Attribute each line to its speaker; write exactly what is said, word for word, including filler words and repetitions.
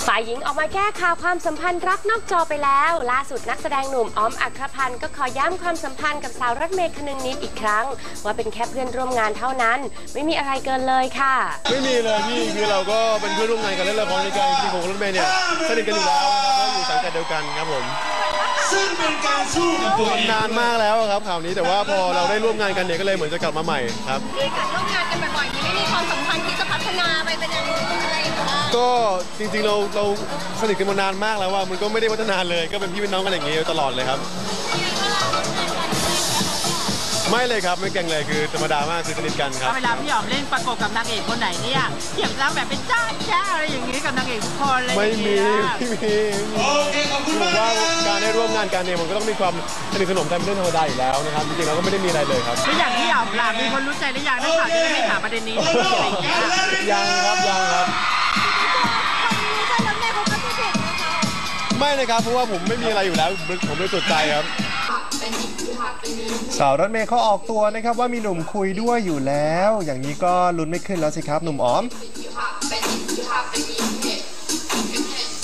Speaker 1: ฝ่ายหญิงออกมาแก้ข่าวความสัมพันธ์รักนอกจอไปแล้วล่าสุดนักแสดงหนุ่มออมอัครพันธ์ก็ขอย้ำความสัมพันธ์กับสาวรถเมย์คนึงนิดอีกครั้งว่าเป็นแค่เพื่อนร่วมงานเท่านั้นไม่มีอะไรเกินเลยค่ะ
Speaker 2: ไม่มีเลยพี่คือเราก็เป็นเพื่อนร่วมงานกันเล่นละครด้วยกันจริงๆผมกับรถเมย์เนี่ยสนิทกันอยู่แล้วนะครับก็อยู่สังกัดเดียวกันครับผมซึ่งเป็นการสู้นานมากแล้วครับข่าวนี้แต่ว่าพอเราได้ร่วมงานกันเนี่ยก็เลยเหมือนจะกลับมาใหม่ครับ
Speaker 3: มีการร่วมงานกันบ่อยๆนี้ไม่มีความสัมพันธ์ที่จะพัฒนาไปเป็นอย่างอื่นอะไรอย่างเงี้ย
Speaker 2: ก็จริงๆเราเราสนิทกันมานานมากแล้วว่ามันก็ไม่ได้พัฒนาเลยก็เป็นพี่เป็นน้องกันอย่างนี้ตลอดเลยครับไม่เลยครับไม่เก่งเลยคือธรรมดามากคือสนิทกันครับ
Speaker 4: เวลาพี่หอมเล่นประกบกับนางเอกคนไหนเนี่ยเทียบแล้วแบบเป็นจ้าแจ้อะไรอย่างนี้กับนางเอกทุกคนเลย
Speaker 2: ไม่มีไม่มีคือผมว่าการได้ร่วมงานกันเนี่ยมันก็ต้องมีความสนิทสนมกันเป็นเรื่องธรรมดาอยู่แล้วนะครับจริงๆเราก็ไม่ได้มีอะไรเลยครับ
Speaker 4: แล้วอย่างที่หอมล่ะมีคนรู้ใจหรือยังนักข่าวจะได้ไม่ถามประเด็นนี้อะไรอย่างเงี้ย
Speaker 2: ยังครับยังครับไม่นะครับเพราะว่าผมไม่มีอะไรอยู่แล้วผมไม่สนใจครับ
Speaker 5: สาวรถเมย์เขาออกตัวนะครับว่ามีหนุ่มคุยด้วยอยู่แล้วอย่างนี้ก็ลุ้นไม่ขึ้นแล้วสิครับหนุ่มอ๋อม